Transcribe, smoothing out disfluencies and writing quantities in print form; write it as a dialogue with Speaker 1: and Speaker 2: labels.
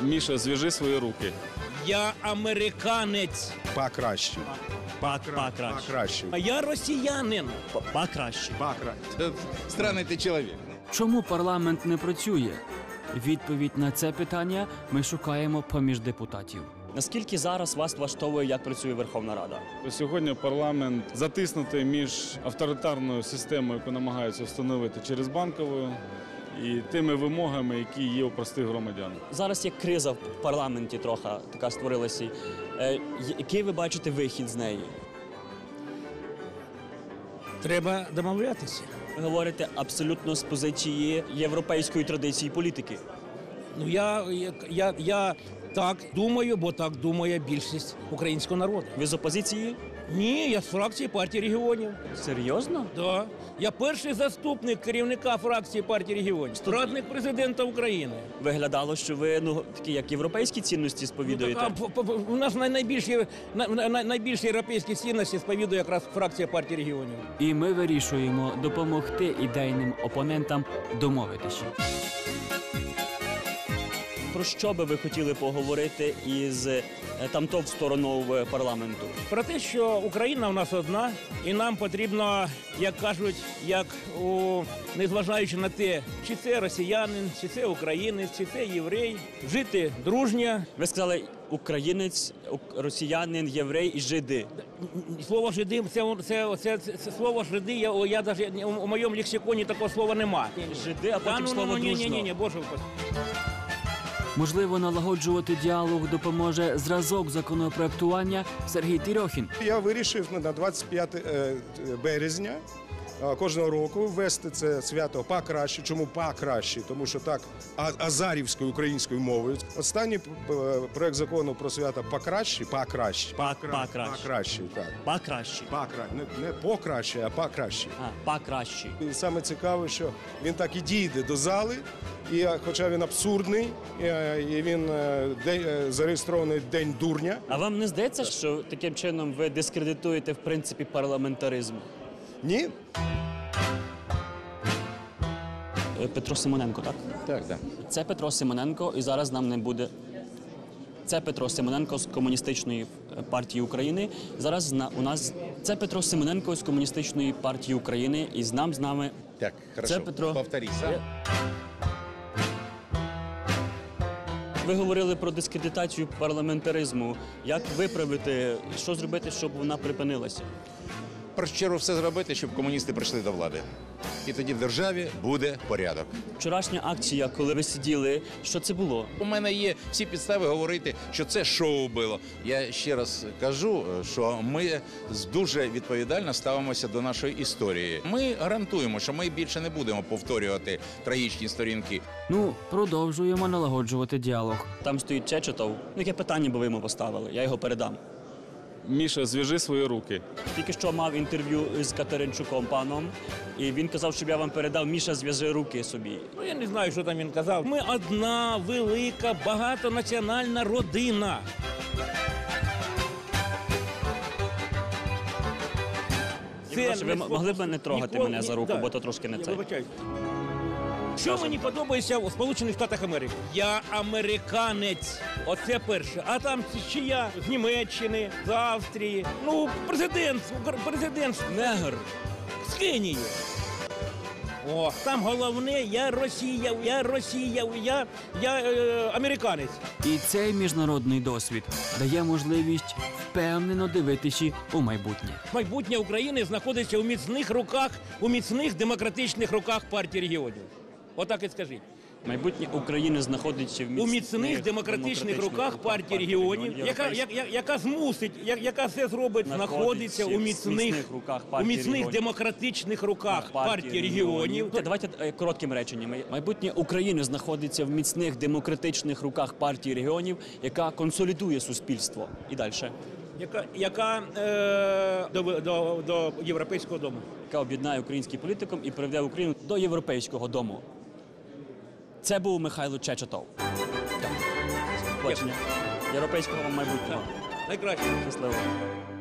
Speaker 1: Міша, зв'яжи свої руки.
Speaker 2: Я американець.
Speaker 3: Покраще.
Speaker 2: Покраще. А я росіянин. Покраще.
Speaker 4: Странний ти чоловік.
Speaker 5: Чому парламент не працює? Відповідь на це питання ми шукаємо поміж депутатів.
Speaker 6: Наскільки зараз вас влаштовує, як працює Верховна Рада?
Speaker 1: Сьогодні парламент затиснутий між авторитарною системою, яку намагаються встановити через банкову, і тими вимогами, які є у простих громадян.
Speaker 6: Зараз є криза в парламенті трохи, така створилася. Який ви бачите вихід з неї?
Speaker 2: Треба домовлятися.
Speaker 6: Ви говорите абсолютно з позиції європейської традиції політики.
Speaker 2: Ну, я так думаю, бо так думає більшість українського народу.
Speaker 6: Ви з опозиції?
Speaker 2: Ні, я з фракції партії регіонів.
Speaker 6: Серйозно?
Speaker 2: Да. Я перший заступник керівника фракції партії регіонів, радник президента України.
Speaker 6: Виглядало, що ви такі як європейські цінності сповідуєте.
Speaker 2: У нас найбільші європейські цінності сповідує якраз фракція партії регіонів.
Speaker 5: І ми вирішуємо допомогти ідейним опонентам домовитися.
Speaker 6: Про що би ви хотіли поговорити із тамтов стороною парламенту?
Speaker 2: Про те, що Україна у нас одна, і нам потрібно, як кажуть, незважаючи на те, чи це росіянин, чи це українець, чи це єврей, жити дружньо.
Speaker 6: Ви сказали українець, росіянин, єврей і жиди.
Speaker 2: Слово «жиди» це слово «жиди», я навіть у моєму лексиконі такого слова нема.
Speaker 6: Жиди, а потім слово «дружно».
Speaker 2: Ні, боже упаси.
Speaker 5: Можливо, налагоджувати діалог допоможе зразок законопроектування Сергій Терьохін.
Speaker 3: Я вирішив на 25 березня кожного року ввести це свято покраще. Чому покраще? Тому що так азарівською українською мовою. Останній проект закону про свято покраще.
Speaker 6: Покраще.
Speaker 3: Не покраще, а покраще.
Speaker 6: Покраще.
Speaker 3: І саме цікаве, що він так і дійде до зали, і хоча він абсурдний, і він зареєстрований День дурня.
Speaker 6: А вам не здається, що таким чином ви дискредитуєте в принципі парламентаризм?
Speaker 3: Ні.
Speaker 6: Петро Симоненко, так?
Speaker 4: Так.
Speaker 6: Це Петро Симоненко, і зараз нам не буде. Це Петро Симоненко з Комуністичної партії України. Зараз у нас це Петро Симоненко з Комуністичної партії України, і з нами.
Speaker 4: Так, хорошо.
Speaker 6: Це Петро.
Speaker 4: Повторіть.
Speaker 6: Ви говорили про дискредитацію парламентаризму. Як виправити, що зробити, щоб вона припинилася?
Speaker 4: В першу чергу все зробити, щоб комуністи прийшли до влади. І тоді в державі буде порядок.
Speaker 6: Вчорашня акція, коли ви сиділи, що це було?
Speaker 4: У мене є всі підстави говорити, що це шоу було. Я ще раз кажу, що ми дуже відповідально ставимося до нашої історії. Ми гарантуємо, що ми більше не будемо повторювати трагічні сторінки.
Speaker 5: Продовжуємо налагоджувати діалог.
Speaker 6: Там стоїть Чечетов. Яке питання би ви йому поставили? Я його передам.
Speaker 1: Міша, зв'яжи свої руки.
Speaker 6: Тільки що мав інтерв'ю з Катеринчуком паном, і він казав, щоб я вам передав: Міша, зв'яжи руки собі.
Speaker 2: Я не знаю, що там він казав. Ми одна велика багатонаціональна родина.
Speaker 6: Ви могли б не трогати мене за руку, бо то трошки не це.
Speaker 2: Що мені подобається у Сполучених Штатах Америки? Я американець. Оце перше. А там ще я з Німеччини, з Австрії. Президент
Speaker 6: Негр.
Speaker 2: з Кенії. Там головне, я американець.
Speaker 5: І цей міжнародний досвід дає можливість впевнено дивитися у майбутнє.
Speaker 2: Майбутнє України знаходиться у міцних руках, у міцних демократичних руках партії регіонів. Отак і скажіть.
Speaker 6: Майбутнє України знаходиться в
Speaker 2: міцних демократичних руках партії регіонів, яка змусить, яка все зробить, знаходиться у міцних демократичних руках партії регіонів.
Speaker 6: Давайте коротким реченням. Майбутнє України знаходиться в міцних демократичних руках партії регіонів, яка консолідує суспільство. І далі.
Speaker 2: Яка до європейського дому.
Speaker 6: Яка об'єднає український політикум і приведе Україну до європейського дому. Це був Михайло Чечетов. Побачення. Європейського майбутнього.
Speaker 2: Найкраще.
Speaker 6: Щасливо.